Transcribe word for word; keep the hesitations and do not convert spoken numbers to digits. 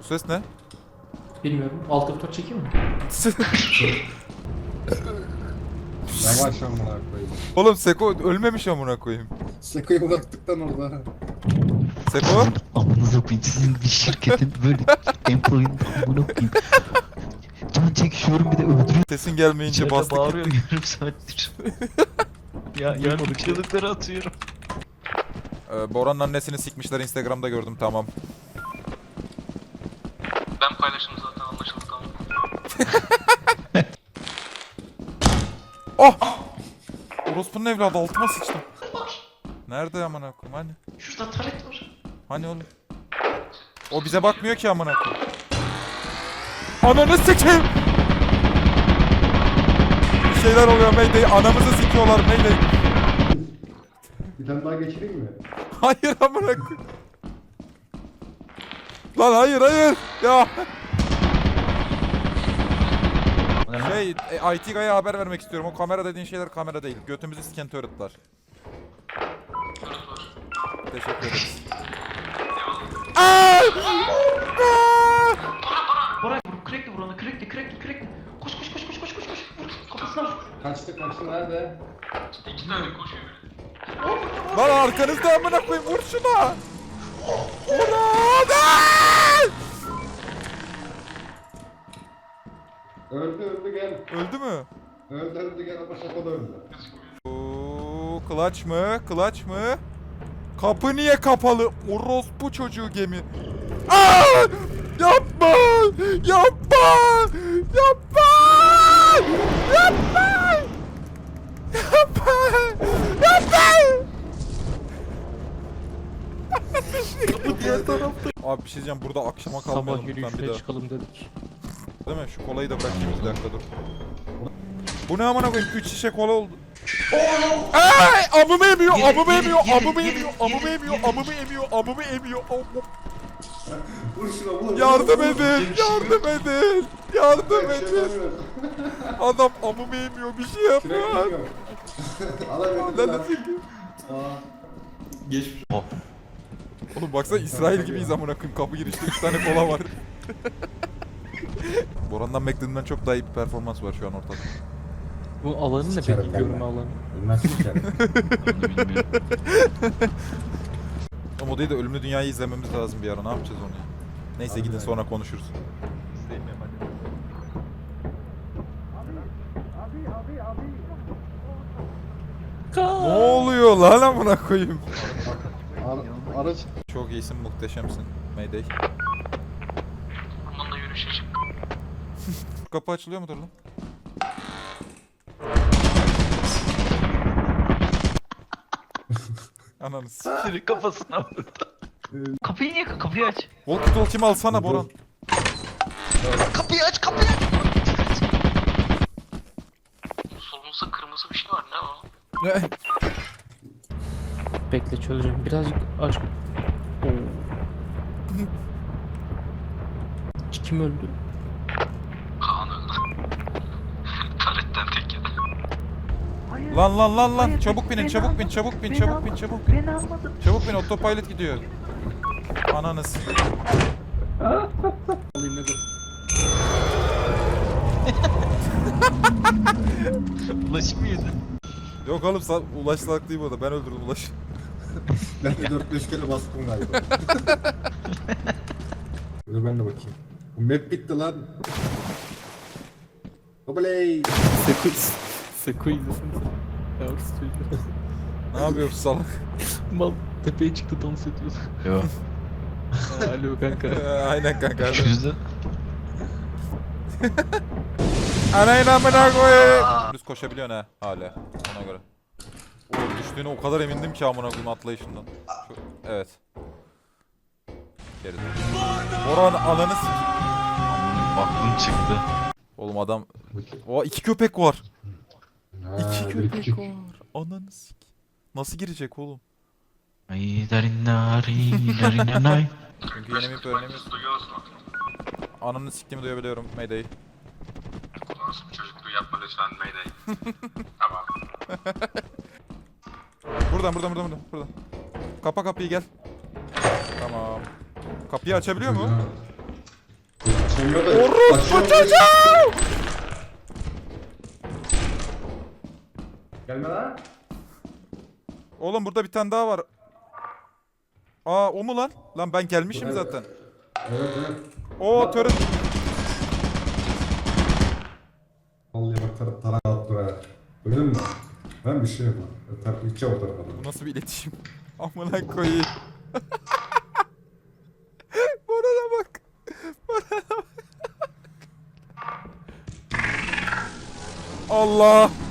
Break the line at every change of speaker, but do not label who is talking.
ses ne?
Bilmiyorum. Alt F dört çekeyim mi?
Yavaş amına koyayım.
Oğlum Seko ölmemiş amına koyayım.
Seko'yu bıraktıktan orada.
Seko?
Amınıza koyayım, sizin bir şirketin böyle employee'nin amına koyayım. Can çekişiyorum bir de öldürüyorum.
Sesin gelmeyince
İçeride
bastık
bağırıyorum
gitti.
yarım saattir. Ya yardım çığlıkları atıyorum.
Ee, Boran'ın annesini sikmişler Instagram'da gördüm tamam.
Ben paylaşım zaten anlaşıldı tamam.
Oh! Orospu'nun evladı altıma sıçtım. Nerede amına koyayım hani?
Şurada taret var.
Hani oğlum? O bize bakmıyor ki amına koyayım. Ananı sikeyim! Bir şeyler oluyor Mayday. Anamızı sikiyorlar Mayday.
Bir tane daha geçireyim mi?
Hayır amına koyayım. Lan hayır hayır. Ya. Şey, e, I T Guy'a haber vermek istiyorum. O kamera dediğin şeyler kamera değil. Götümüzü siken turret'lar. Teşekkür ederiz. Aaaa!
Bora vur, crackli vur onu, crackli, crackli, crackli. Koş koş koş koş koş koş koş. Vur, kafasına vur.
Kaçtı kaçtı nerede?
İki tane koşuyor biri.
Lan arkanızda amına koyayım vur şuna. Murat! Aaaa!
Öldü öldü gel.
Öldü mü?
Öldü öldü gel ama Seko da öldü.
Oo, clutch mı? Clutch mı? Kapı niye kapalı? Orospu çocuğu gemi. Aa! Yapma! Yapma! Yapma! Yapma! Yapma! Yapma! Bu diğer tarafta. Abi bir şey diyeceğim burada akşama kalmayalım
Sabah
lütfen bir
yürüyüşüne
daha.
çıkalım dedik.
Değil mi? Şu kolayı da bırakayım bir dakika dur. Bu ne amına koyayım? üç şişe kola oldu. Ay! Amımı emiyor, amımı emiyor, amımı emiyor, amımı emiyor, amımı emiyor, amımı emiyor.
Vur şuna vur.
Yardım edin, yardım edin, yardım
Bir şey
edin.
yapamıyorum.
Adam amımı emiyor, bir şey yapıyor.
Kürek yok. Alabildim
Lan
lan.
nasıl?
Geçmiş.
Oğlum baksana İsrail gibiyiz amına koyayım. Kapı girişte üç tane kola var. Boran'dan beklediğimden çok daha iyi bir performans var şu an ortada.
Bu alanı ne
Sikerim
peki?
ben
Görme
de.
alanı.
Bilmez sikerim.
Onu bilmiyorum.
Ama o değil de Ölümlü Dünya'yı izlememiz lazım bir ara. Ne yapacağız onu ya? Neyse
Hadi
gidin
be.
sonra konuşuruz. Ne oluyor lan amına koyayım?
Ara, araç.
Çok iyisin, muhteşemsin. Mayday.
Ormanda yürüyüşe çık.
Kapı açılıyor mudur lan? Ananı s***.
Sürü kafasına vurdu. Kapıyı niye kapıyı aç?
Walkie talkie'mi alsana Boran.
Kapıyı aç kapıyı aç.
Solumuzda kırmızı bir şey var ne o?
Ne?
Bekle çözeceğim. Birazcık aç. Oo. Kim öldü?
Kaan öldü. Taretten tek yedi.
Lan lan lan lan çabuk binin çabuk bin çabuk bin çabuk bin çabuk bin. Çabuk bin autopilot gidiyor. Ananı s***.
Alayım ne dur.
Ulaş mıydı?
Yok oğlum sa- Ulaş salak değil bu arada ben öldürdüm Ulaş.
Ben de dört beş kere bastım galiba. Dur ben de bakayım. Bu map bitti lan. Hoplay.
Seko, Seko izlesin sen. Yavrusu çocuğu.
Ne yapıyorsun salak?
Mal tepeye çıktı dans ediyordu.
Yok.
Ha, alo kanka.
Ee, Aynen kanka.
Çözdü.
Anayın amına koyayım. Düz koşabiliyorsun ha hala ona göre. Oğlum düştüğüne o kadar emindim ki amına koyayım atlayışından. Şu, evet. Geri dön. Boran ananı s***.
Aklım çıktı.
Oğlum adam... O iki köpek var.
Ha,
İki
bir
köpek
küçük.
var. Ananı sik. Nasıl girecek oğlum?
Ay darin darin darin nay.
Çünkü yeni bir öğrenemiyorsun.
Duyuyoruz mu?
Ananı siktiğimi duyabiliyorum Mayday.
Nasıl bir çocukluğu yapma lütfen Mayday. Tamam.
Buradan buradan buradan buradan. buradan. Kapa kapıyı gel. Tamam. Kapıyı açabiliyor mu?
Bilmiyorum da-
Orospu
Aşağı-
çocuğu!
Gelme lan.
Oğlum burada bir tane daha var. Aa o mu lan? Lan ben gelmişim
Evet.
zaten.
Evet evet.
Oo turret.
Vallahi bak tar tarak attı be. Duydun mu? Ben bir şey yapmam. Tar içe o tarafa.
Bu nasıl bir iletişim? Amına koyayım. Bana bak. Bana bak. Allah.